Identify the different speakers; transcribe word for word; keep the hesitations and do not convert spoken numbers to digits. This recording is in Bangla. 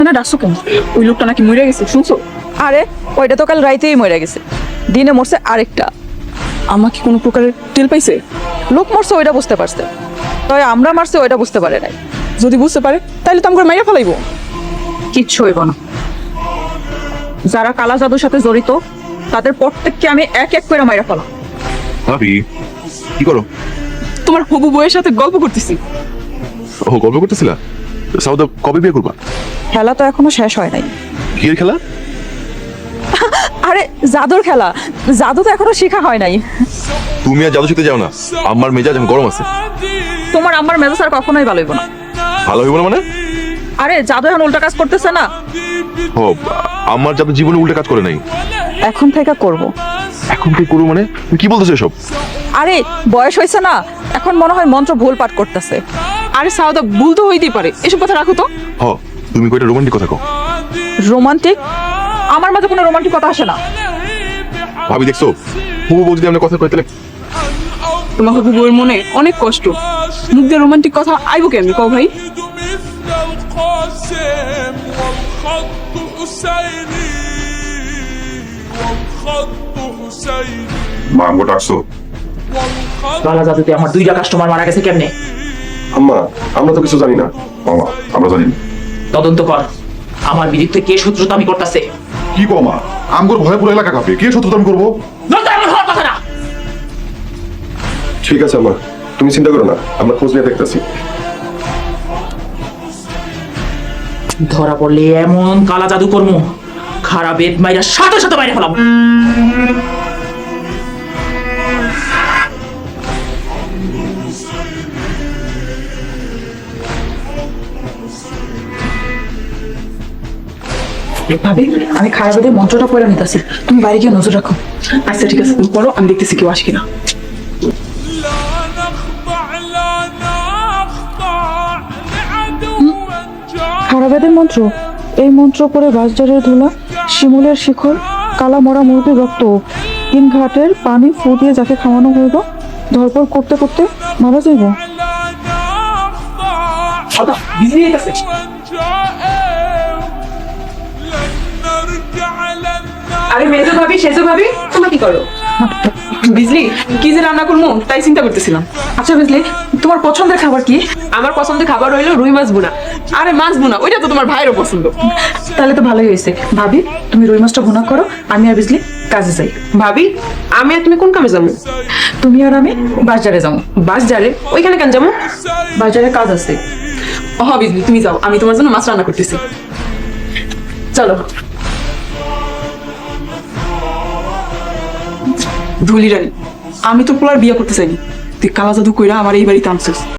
Speaker 1: না ডাকছো কেন? ওই লোকটা নাকি মরে গেছে শুনছো?
Speaker 2: আরে ওইটা তো কাল রাইতেই মরে গেছে, দিনে মরছে আরেকটা।
Speaker 1: আমার কি কোনো প্রকারের তেল পাইছে?
Speaker 2: লোক মরছে ওইটা বুঝতে পারছে, তবে আমরা মারছে ওইটা বুঝতে পারে নাই।
Speaker 1: যদি বুঝতে পারে তাহলে তো আমাকে মাইরা ফেলাইবো।
Speaker 2: কিচ্ছু হইব না। যারা কালা জাদুর সাথে জড়িত তাদের প্রত্যেককে আমি এক এক করে মাইরা ফেলাম।
Speaker 3: ভাবি কি করো?
Speaker 1: তোমার হবু বউয়ের সাথে গল্প করতেছি।
Speaker 3: ও গল্প করতেছিলা? সাউদা কবে বিয়ে করবা?
Speaker 2: খেলা তো এখনো শেষ হয় নাই।
Speaker 3: বিয়ের খেলা?
Speaker 2: আরে জাদুর খেলা, জাদু তো এখনো শেখা হয় নাই।
Speaker 3: তুমি আর জাদু শিখতে যাও না, আমার মেজাজ এখন গরম আছে।
Speaker 2: তোমার আমার মেজাজ আর কখনোই ভালো হইব না।
Speaker 3: ভালো হইব না মানে?
Speaker 2: আরে জাদু এখন উল্টা কাজ করতেছে না।
Speaker 3: ও আমার জাদু জীবনে উল্টে কাজ করে নাই।
Speaker 2: এখন থেকে করব।
Speaker 3: এখন কি করবো মানে? তুমি কি বলতেছো এসব?
Speaker 2: আরে বয়স হয়েছে না, এখন মনে হয় মন্ত্র ভুল পাঠ করতেছে।
Speaker 1: আরে সাউদা ভুল তো হইতেই পারে, এসব কথা রাখো তো।
Speaker 3: হ তুমি কয়টা রোমান্টিক কথা কও।
Speaker 2: রোমান্টিক? আমার মাঝে কোনো রোমান্টিক কথা আসে না।
Speaker 3: ভাবি দেখছো, হুবু বউ যদি আমরা কথা কই তাহলে
Speaker 1: তোমার হবু বউয়ের মনে অনেক কষ্ট, মুখ দিয়ে রোমান্টিক কথা আইবো কেমনি কও ভাই?
Speaker 4: القاسم والخط حسيني والخط حسيني
Speaker 5: মা আমগো ডাকছো?
Speaker 4: والخط
Speaker 6: কালা জাদুতে আমার দুইটা কাস্টমার মারা গেছে কেমনে?
Speaker 5: আম্মা আমরা তো কিছু জানি না। মামা আমরা জানি না।
Speaker 6: তদন্ত কর, আমার বিরুদ্ধে কে শত্রুতা আমি করতেছে।
Speaker 5: কি কো মা? আমগোর ভয়ে পুরো এলাকা কাঁপে, কে শত্রুতা আমি করবো?
Speaker 6: এমন হওয়ার কথা না।
Speaker 5: ঠিক আছে মা, তুমি চিন্তা করো না, আমরা খোঁজ নিয়ে দেখতেছি।
Speaker 6: ধরা পড়লে এমন কালা জাদু কর্ম, খারাপ বেদ মাইরা সাথে সাথে বাইরে ফেলাম।
Speaker 2: ভাবি আমি খারাপ বেদে মন্ত্রটা পড়ে নিতেছি, তুমি বাইরে গিয়ে নজর রাখো।
Speaker 1: আচ্ছা ঠিক আছে, তুমি পড়ো, আমি দেখতেছি কেউ আসে কিনা।
Speaker 4: لا نخضع لا نخضع لعدو جار
Speaker 2: খারাপ বেদের মন্ত্র, এই মন্ত্র পড়ে বাঁশঝাড়ের ধুলা, শিমুলের শিখর, কালা মরা মুরগির রক্ত, তিন ঘাটের পানি ফু দিয়ে যাকে খাওয়ানো হইব, ধরপড় করতে করতে মারা যাইব।
Speaker 4: لا نخضع
Speaker 1: সাউদা বিজি হয়ে গেছে।
Speaker 4: جائر لن نرجع لن
Speaker 1: আরে মেজো ভাবি, সেজো ভাবি, তোমরা কি করো? বিজলি কি যে রান্না করবো তাই চিন্তা করতেছিলাম। আচ্ছা বিজলি, তোমার পছন্দের খাবার কি? আমার পছন্দের খাবার হইলো রুই মাছ ভুনা। আরে মাছ ভুনা, ওইটা তো তোমার ভাইয়েরও পছন্দ।
Speaker 2: তাহলে তো ভালোই হয়েছে। ভাবি তুমি রুই মাছটা ভুনা করো, আমি আর বিজলি কাজে যাই।
Speaker 1: ভাবি আমি আর তুমি কোন কামে যাবো?
Speaker 2: তুমি আর আমি বাজারে যাবো।
Speaker 1: বাস যারে ওইখানে কেন যাবো?
Speaker 2: বাজারে কাজ আছে।
Speaker 1: ও বিজলি তুমি যাও, আমি তোমার জন্য মাছ রান্না করতেছি। চলো। ধুলি রানী, আমি তো পোলার বিয়ে করতে চাইনি, তুই কালা জাদু কইরা আমার এই বাড়িতে আনছিস।